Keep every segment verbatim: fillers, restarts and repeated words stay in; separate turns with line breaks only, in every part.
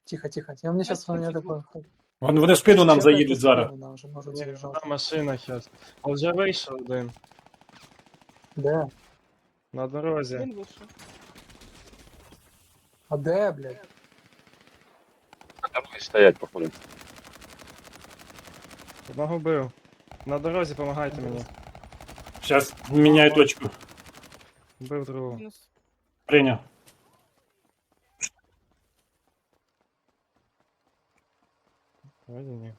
Тихо, тихо. Я мне сейчас я такой.
Вон- Вони в спину нам
Чекайте
заїдуть зараз.
спину, да, вже можуть
Ні,
заїжджати.
одна машина зараз. А вже вийшов один.
Де?
На дорозі.
Він вийшов.
А де, блядь?
Там стоять, походу.
Одного бив. На дорозі помагайте мені.
Зараз міняю точку.
Бив другого.
Мінус.
Прийняв.
Вроді ні.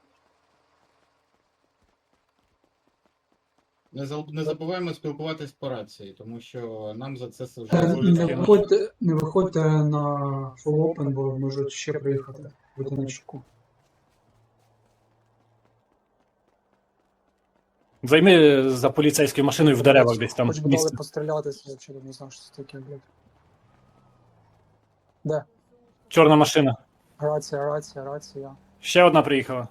Не, заб- не забуваємо спілкуватись по рації, тому що нам за це
Е,
вже
Не виходьте, не виходьте на full open, бо можуть ще приїхати. Будьте на чеку.
Займи за поліцейською машиною в деревах десь там
Хоч би дали
місце.
пострілятися, я вчора не знав, що це таке, блядь. Де?
Чорна машина.
Рація, рація, рація.
Ще одна приїхала.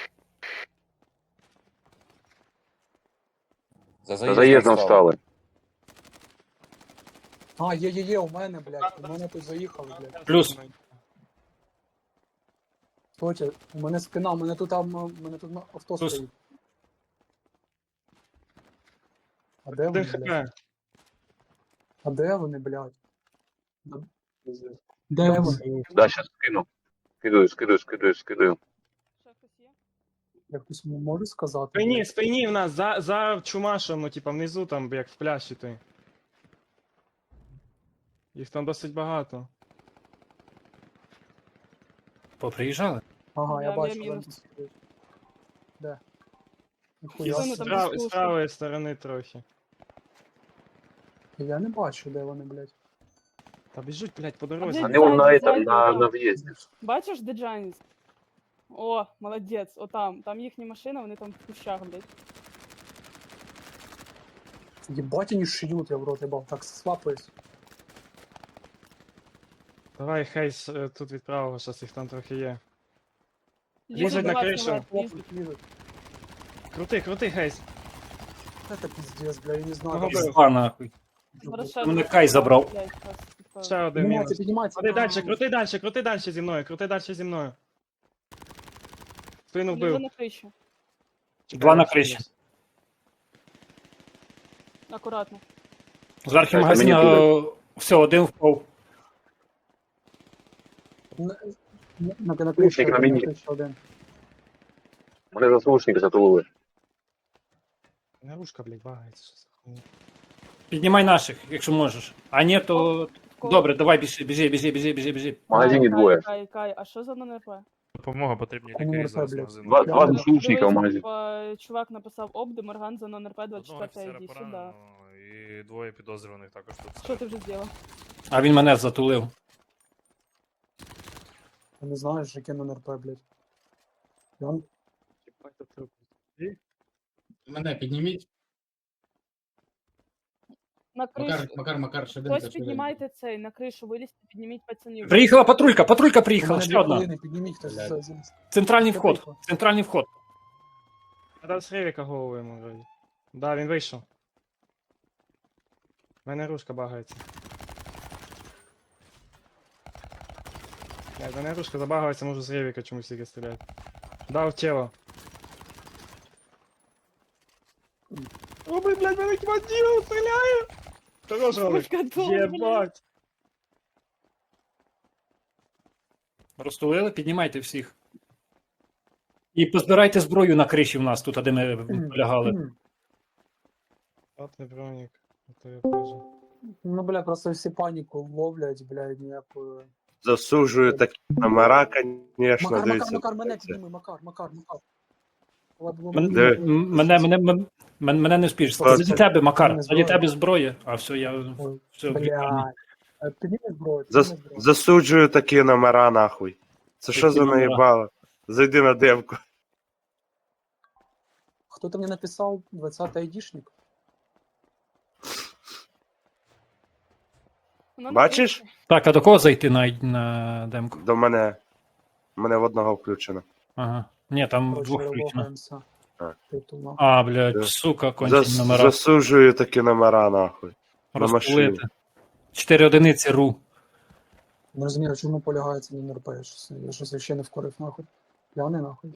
За заїздом стали.
А, є, є, є, у мене, блядь, у мене тут заїхали, блядь.
Плюс.
Стойте, у мене спина, у мене тут там, у мене тут авто
Плюс.
стоїть. А де
Один
вони, блядь?
хп.
А де вони, блядь? Де вони?
Да, сейчас скину. Скидаю, скидаю, скидаю, скидаю.
Ще хтось є?
Я хтось можу сказати?
Спині,
блядь?
спині в нас, за, за чумашем, ну типа внизу там, як в пляші ти. Їх там досить багато.
Поприїжджали?
Ага, я
Я-
бачу,
я мінус.
ленту стоїть. Де?
З
Ніхуя
Спину
собі.
там
прав- з
послушай.
правої сторони трохи.
Я не бачу, де вони, блядь.
Та біжуть, блядь, по дорозі.
де
Они вон на
Сзади,
этом,
сзади,
на,
да.
на въезде.
Бачиш, де Джаніс? О, молодець, отам. Там їхня машина, вони там в кущах, блядь.
Єбать, вони шиють, я в рот ебав. Так, свапаюсь.
Давай, Хейс, е, тут від правого, щас їх там трохи є.
Лізуть
Лізуть на
вас,
кришу.
вас, лізуть.
Лопнуть, лізуть.
Крути, крути, Хейс.
Это пиздец, бля, я не знаю.
Кого
как-
бив?
Пізда нахуй.
Ворошилов.
Мене Кай забрав.
Блядь, щас, типа.
Ще один
Піднімайте,
мінус.
піднімайте.
Крути
А,
далі, крути далі, крути далі зі мною, крути далі зі мною. Спину
Вони вже
вбив.
на криші.
Два на криші.
Акуратно.
З архі
Так,
магазина
мені
е, все, один впав.
На, на, на, на криші
Слушай, на
один, на
мені.
криші один.
Вони заслушники затулили.
Наружка, блядь, багається. Що за хуйня?
Піднімай наших, якщо можеш. А ні, то.
Кого?
Добре, давай біжи, біжи, біжи, біжи, біжи, біжи.
В магазині
Кай,
двоє.
Кай, Кай, а що за НРП?
Допомога потрібні
Кому
лікарі
не
зараз
блядь?
магазину.
Два, два
Дивись,
заслушника в магазині.
Типа, чувак написав обди, Морган за НРП
Одного
двадцять четвертая,
офіцера
іди сюди.
поранено і двоє підозрюваних також тут.
Що ти вже зробив?
А він мене затулив.
Я не знаю, що яке на НРП, блядь. Я...
Мене підніміть.
На кришу.
Макар, Макар, Макар, швиденько,
Хтось
швиденько.
піднімайте цей, на кришу вилізьте, підніміть пацанів.
Приїхала патрулька, патрулька
У
приїхала,
мене
ще
дві
одна.
хвилини, підніміть хтось.
Блядь.
за- за-
Центральний
Ще
вход.
приїхала.
Центральний вход.
Я дав з Ревіка голову йому вроді. Да, він вийшов. У мене ружка багається. Блядь, у мене ружка забагається, можу з Ревіка чомусь тільки стріляти. Дав тіло. О, блядь, блядь, мене кваділ стріляє! Хорош, Ролик.
Ручка довга,
Єбать!
Розтулили, піднімайте всіх. І позбирайте зброю на криші в нас, тут, де ми полягали.
Мгм.
От не бронік. Ото я теж.
Ну, бля, просто всі паніку ловлять, блядь, ніякою.
Засуджую такі номера, звісно,
Макар, Макар,
дивіться.
Макар, мене підніми, Макар, Макар, Макар. Ладно,
Мен-
Диви.
м- Мене, мене, мене, мене, мене не спіш.
Ось
Заді
це.
тебе, Макар,
Мене
заді
зброя.
тебе зброя. А все, я.
Ой,
Все,
Блядь. Е, Підніми зброю,
Зас-
підніми зброю.
Засуджую такі номера, нахуй. Це що
Які
за
номера?
наїбало? Зайди на демку.
Хто-то мені написав двадцятий айдішник.
Воно на
Бачиш?
криші.
Так, а до кого зайти на, на демку?
До мене. Мене в одного включено.
Ага. Ні, там
Короче,
двох включено.
логаємося.
А.
Титулно.
А, блядь,
Да.
сука, кончені
Зас-
номера.
Засуджую такі номера, нахуй. на
Розпулити.
машині.
Чотири одиниці ру.
Не розумію, в чому полягає цей номер П. Я щось, я щось ще не вкорив нахуй. П'яний нахуй.